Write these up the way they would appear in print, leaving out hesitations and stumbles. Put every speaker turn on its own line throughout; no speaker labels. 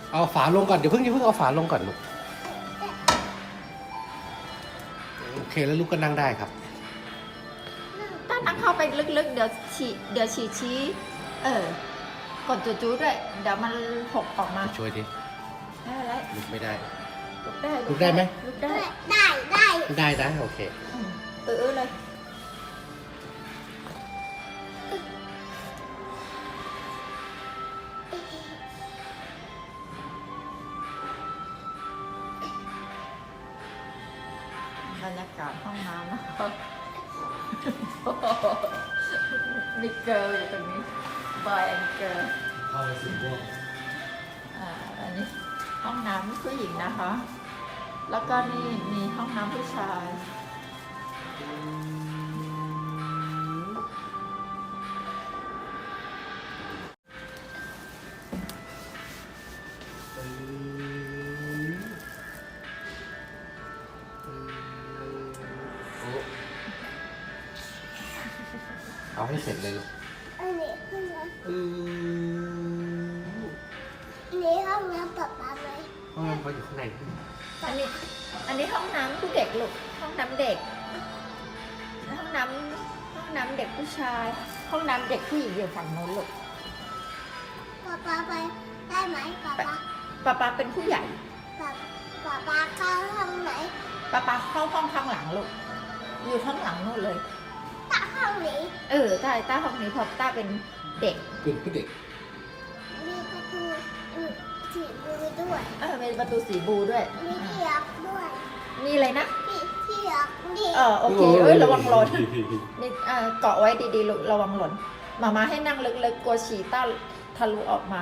เอาฝาลงก่อนเดี๋ยวเพิ่งเอาฝาลงก่อนลูกโอเคแล้วลูกก็นั่งได้ครับ
ถ้านั่งเข้าไปลึกๆเดี๋ยวฉี่ชี้กดจูๆด้วยเดี๋ยวมันหกออกมา
ช่วยดิ
ไม่เป็นไร
ลุกไม่ได้
ลุกได้
ไหม
ลุกได้
ได้นะโอเค
เลยบรรยากาศห้องน้ำนะครับมีเกิร์ลอยู่ตรงนี้บอยแอนด์เกิร์ล
เข้าไปสิพวก
อันนี้ห้องน้ำผู้หญิงนะคะแล้วก็นี่มีห้องน้ำผู้ชาย
เอาให้เสร็จเลยลูก
อันนี้ห้องน้ำนี่ห้องน้ำป๊าป๊าไหม
ห้องน้ำเขาอยู่ข้างใน
อันนี้ห้องน้ำผู้เด็กลูกห้องน้ำเด็กห้องน้ำเด็กผู้ชายห้องน้ำเด็กผู้หญิงอยู่ฝั่งโน้นลูก
ป๊าป๊าไปได้ไหม
ป๊าป๊าเป็นผู้ใหญ่
ป๊าป๊าเข้าห้องไหน
ป๊าเข้าห้องข้างหลังลูกอยู่ข้างหลังโน้นเลย
ใต้ห้องนี้
ใต้ห้องนี้เพราะต้าเป็นเด็ก
เป็นผู้เด็ก
มีประตูสีบูด้วย
มีประตูสีบูด้วย
มีที่ล็อกด้วย
มีอะไรนะ
ที่ล็อกนี่
โอเคระวังหล่นนี่เกาะไว้ดีๆลูกระวังหล่นมาให้นั่งลึกๆกลัวฉี่ต้าทะลุออกมา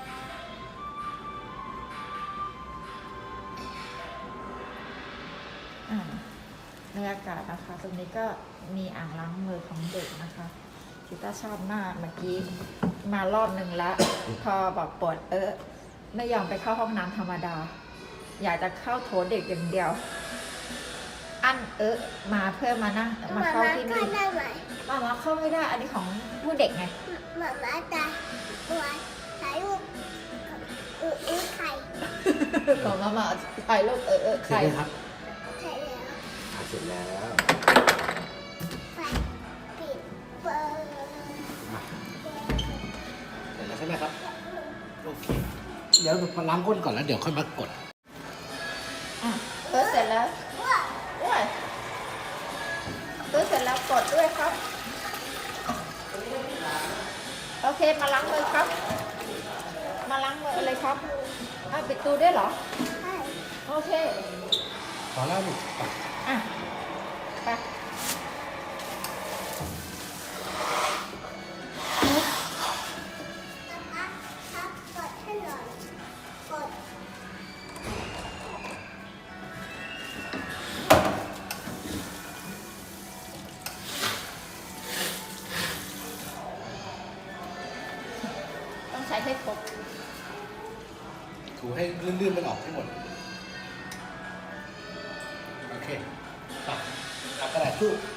บรรยากาศนะคะตรงนี้ก็มีอ่างล้างมือของเด็กนะคะชิต้าชอบมากเมื่อกี้มารอบนึงแล้วพอบอกปวดไม่ยอมไปเข้าห้องน้ำธรรมดาอยากจะเข้าโถเด็กอย่างเดียวอันมาเพื่อมานั่งมาเข้าที่นี่มาเข้าไม่ได้อันนี้ของผู้เด็กไง
มาตาถ่ายรูปไข่
ของมาถ่ายรูป
ไข่ครับ
เสร็จแล้ว
เสร็จแล้ว
ไฟปิดเปิด
เสร็จแล้วใช่ไหมครับโอเคเดี๋ยวมาล้างก้นก่อนแล้วเดี๋ยวค่อยมากด
เสร็จแล้วเสร็จแล้วกดด้วยครับโอเคมาล้างมือครับมาล้างมือเลยครับปิดตู้ด้วยเหรอ
ใช่
โอเค
พอแล้วลูก
ไป
กดให้หน่อยกด
ต้องใช้ให้ครบ
ถูให้ลื่นๆมันออกให้หมดโอเคเอากระดาษชู่